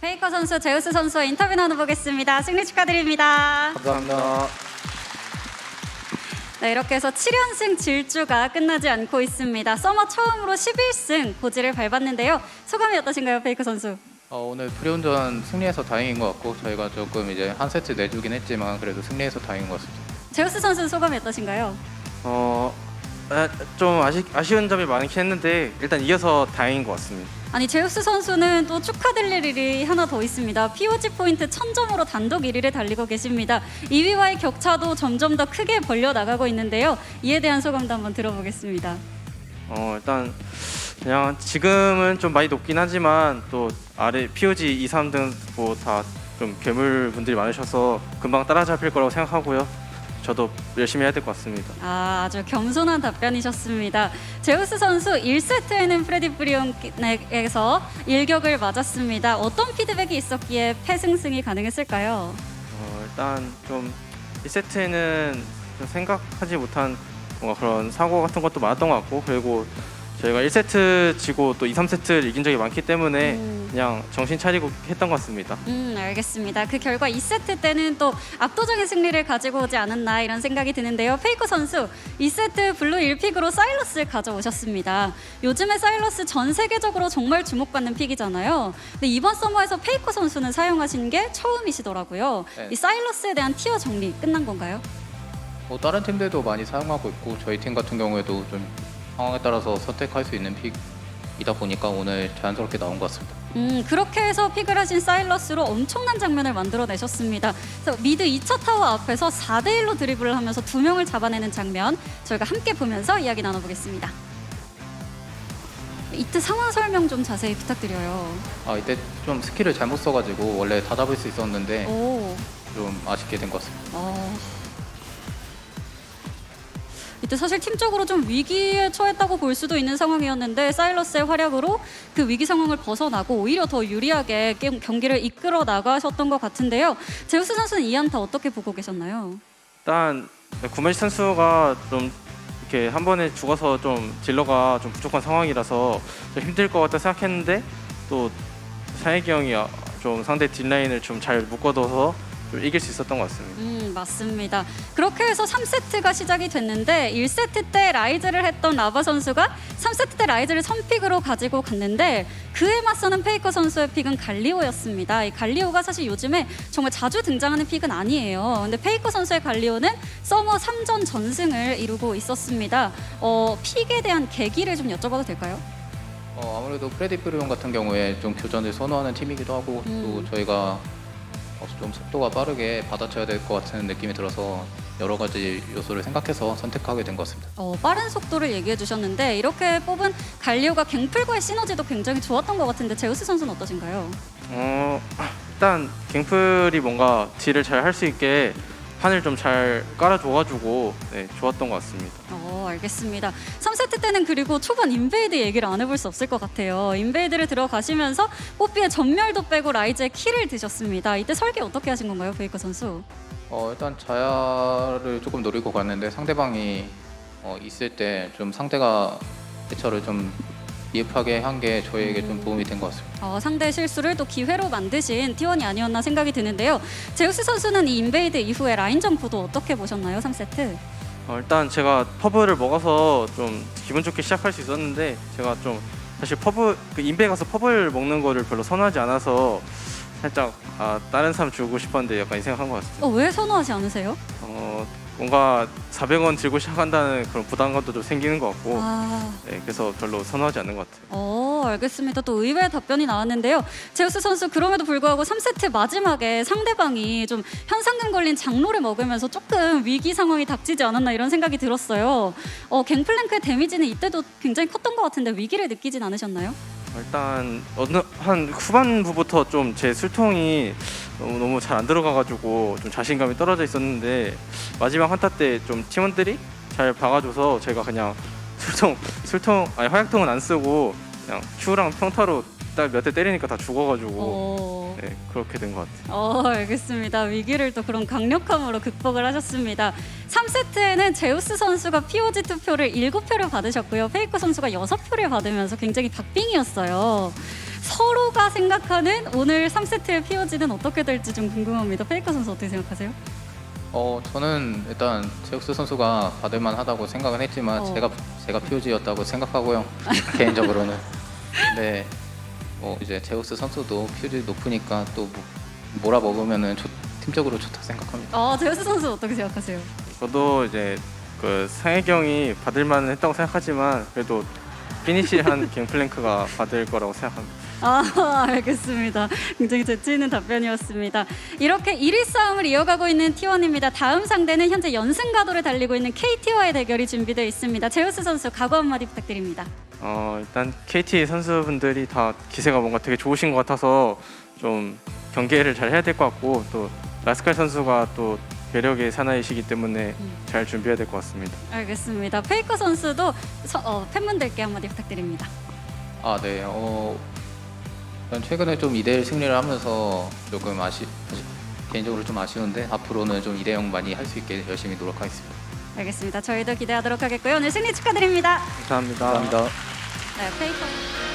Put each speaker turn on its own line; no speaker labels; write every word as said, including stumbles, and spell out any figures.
페이커 선수, 제우스 선수와 인터뷰 나눠보겠습니다. 승리 축하드립니다.
감사합니다.
네, 이렇게 해서 칠 연승 질주가 끝나지 않고 있습니다. 서머 처음으로 십일 승 고지를 밟았는데요. 소감이 어떠신가요, 페이커 선수?
어, 오늘 프리온전 승리해서 다행인 것 같고 저희가 조금 이제 한 세트 내주긴 했지만 그래도 승리해서 다행인 것 같습니다.
제우스 선수는 소감이 어떠신가요?
어, 아, 좀 아쉬, 아쉬운 점이 많긴 했는데 일단 이겨서 다행인 것 같습니다.
아니, 제우스 선수는 또 축하드릴 일이 하나 더 있습니다. 피오지 포인트 천 점으로 단독 일 위를 달리고 계십니다. 이 위와의 격차도 점점 더 크게 벌려 나가고 있는데요. 이에 대한 소감도 한번 들어보겠습니다.
어, 일단 그냥 지금은 좀 많이 높긴 하지만 또 아래 피오지 이, 삼 등 뭐 다 좀 괴물 분들이 많으셔서 금방 따라잡힐 거라고 생각하고요. 저도 열심히 해야 될 것 같습니다.
아, 아주 겸손한 답변이셨습니다. 제우스 선수 일 세트에는 프레디 브리온에게서 일격을 맞았습니다. 어떤 피드백이 있었기에 패승승이 가능했을까요?
어, 일단 좀 일 세트에는 좀 생각하지 못한 뭔가 그런 사고 같은 것도 많았던 것 같고, 그리고 저희가 일 세트 지고 또 이, 삼 세트를 이긴 적이 많기 때문에
음.
그냥 정신 차리고 했던 것 같습니다.
음, 알겠습니다. 그 결과 이 세트 때는 또 압도적인 승리를 가지고 오지 않았나 이런 생각이 드는데요. 페이커 선수 이 세트 블루 일 픽으로 사일러스를 가져오셨습니다. 요즘에 사일러스 전 세계적으로 정말 주목받는 픽이잖아요. 근데 이번 서머에서 페이커 선수는 사용하신 게 처음이시더라고요.
네.
이 사일러스에 대한 티어 정리 끝난 건가요?
뭐 다른 팀들도 많이 사용하고 있고 저희 팀 같은 경우에도 좀 상황에 따라서 선택할 수 있는 픽이다 보니까 오늘 자연스럽게 나온 것 같습니다.
음, 그렇게 해서 픽을 하신 사일러스로 엄청난 장면을 만들어내셨습니다. 그래서 미드 이 차 타워 앞에서 사 대 일로 드리블을 하면서 두 명을 잡아내는 장면 저희가 함께 보면서 이야기 나눠보겠습니다. 이때 상황 설명 좀 자세히 부탁드려요.
아 이때 좀 스킬을 잘못 써가지고 원래 다 잡을 수 있었는데
오,
좀 아쉽게 된 것 같습니다.
어. 이때 사실 팀적으로 좀 위기에 처했다고 볼 수도 있는 상황이었는데 사일러스의 활약으로 그 위기 상황을 벗어나고 오히려 더 유리하게 게임, 경기를 이끌어 나가셨던 것 같은데요. 제우스 선수는 이 안타 어떻게 보고 계셨나요?
일단 구매시 선수가 좀 이렇게 한 번에 죽어서 좀 딜러가 좀 부족한 상황이라서 좀 힘들 것 같다 생각했는데 또 샤이기 형이 좀 상대 딜라인을 좀 잘 묶어둬서 좀 이길 수 있었던 것 같습니다.
음, 맞습니다. 그렇게 해서 삼 세트가 시작이 됐는데 일 세트 때 라이즈를 했던 라바 선수가 삼 세트 때 라이즈를 선픽으로 가지고 갔는데 그에 맞서는 페이커 선수의 픽은 갈리오였습니다. 이 갈리오가 사실 요즘에 정말 자주 등장하는 픽은 아니에요. 근데 페이커 선수의 갈리오는 서머 삼 전 전승을 이루고 있었습니다. 어, 픽에 대한 계기를 좀 여쭤봐도 될까요?
어, 아무래도 프레디 브리온 같은 경우에 좀 교전을 선호하는 팀이기도 하고
음.
또 저희가 어, 좀 속도가 빠르게 받아쳐야 될 것 같은 느낌이 들어서 여러 가지 요소를 생각해서 선택하게 된 것 같습니다.
어, 빠른 속도를 얘기해 주셨는데 이렇게 뽑은 갈리오가 갱플과의 시너지도 굉장히 좋았던 것 같은데 제우스 선수는 어떠신가요?
어, 일단 갱플이 뭔가 딜을 잘 할 수 있게 판을 좀 잘 깔아줘가지고 네, 좋았던 것 같습니다.
어, 알겠습니다. 삼 세트 때는 그리고 초반 인베이드 얘기를 안 해볼 수 없을 것 같아요. 인베이드를 들어가시면서 뽀삐의 전멸도 빼고 라이즈의 킬을 드셨습니다. 이때 설계 어떻게 하신 건가요, 베이커 선수?
어, 일단 자야를 조금 노리고 갔는데 상대방이 어, 있을 때 좀 상대가 대처를 좀 미흡하게 한 게 저희에게 좀 도움이 된 것 같습니다.
어, 상대의 실수를 또 기회로 만드신 티원이 아니었나 생각이 드는데요. 제우스 선수는 이 인베이드 이후에 라인전 구도 어떻게 보셨나요, 삼 세트?
어, 일단 제가 퍼블을 먹어서 좀 기분 좋게 시작할 수 있었는데 제가 좀 사실 퍼블 그 인베 가서 퍼블 먹는 거를 별로 선호하지 않아서 살짝 아, 다른 사람 주고 싶었는데 약간 이 생각한 것 같습니다.
어, 왜 선호하지 않으세요?
어, 뭔가 사백 원 들고 시작한다는 그런 부담감도 좀 생기는 것 같고
아...
네, 그래서 별로 선호하지 않는 것 같아요.
어, 알겠습니다. 또 의외의 답변이 나왔는데요. 제우스 선수 그럼에도 불구하고 삼 세트 마지막에 상대방이 좀 현상금 걸린 장로를 먹으면서 조금 위기 상황이 닥치지 않았나 이런 생각이 들었어요. 어, 갱플랭크의 데미지는 이때도 굉장히 컸던 것 같은데 위기를 느끼진 않으셨나요?
일단 어느 한 후반부부터 좀 제 술통이 너무 너무 잘 안 들어가가지고 좀 자신감이 떨어져 있었는데 마지막 한타 때 좀 팀원들이 잘 박아줘서 제가 그냥 술통 술통 아니 화약통은 안 쓰고 그냥 Q랑 평타로 딱 몇 대 때리니까 다 죽어가지고
어...
네, 그렇게 된 것 같아요.
어, 알겠습니다. 위기를 또 그런 강력함으로 극복을 하셨습니다. 삼 세트에는 제우스 선수가 피오지 투표를 일곱 표를 받으셨고요. 페이커 선수가 여섯 표를 받으면서 굉장히 박빙이었어요. 서로가 생각하는 오늘 삼 세트의 피오지는 어떻게 될지 좀 궁금합니다. 페이커 선수 어떻게 생각하세요?
어 저는 일단 제우스 선수가 받을만하다고 생각은 했지만
어.
제가 제가 피오지였다고 생각하고요. 개인적으로는. 근데 뭐 이제 제우스 선수도 피오지 높으니까 또 뭐- 몰아먹으면은 좋- 팀적으로 좋다 생각합니다.
어, 제우스 선수 어떻게 생각하세요?
저도 이제 그 상혜경이 받을 만은 했다고 생각하지만 그래도 피니시한 갱플랭크가 받을 거라고 생각합니다.
아, 알겠습니다. 굉장히 재치 있는 답변이었습니다. 이렇게 일 위 싸움을 이어가고 있는 티 원입니다. 다음 상대는 현재 연승 가도를 달리고 있는 케이티와의 대결이 준비되어 있습니다. 제우스 선수 각오 한마디 부탁드립니다.
어, 일단 케이티 선수분들이 다 기세가 뭔가 되게 좋으신 것 같아서 좀 경계를 잘 해야 될 것 같고 또 라스칼 선수가 또 매력의 사나이시기 때문에 잘 준비해야 될 것 같습니다.
알겠습니다. 페이커 선수도 서, 어, 팬분들께 한마디 부탁드립니다.
아 네. 어 전 최근에 좀 이 대 일 승리를 하면서 조금 아쉬 아쉬- 개인적으로 좀 아쉬운데 앞으로는 좀 이 대 영 많이 할 수 있게 열심히 노력하겠습니다.
알겠습니다. 저희도 기대하도록 하겠고요. 오늘 승리 축하드립니다.
감사합니다.
감사합니다.
네, 페이커.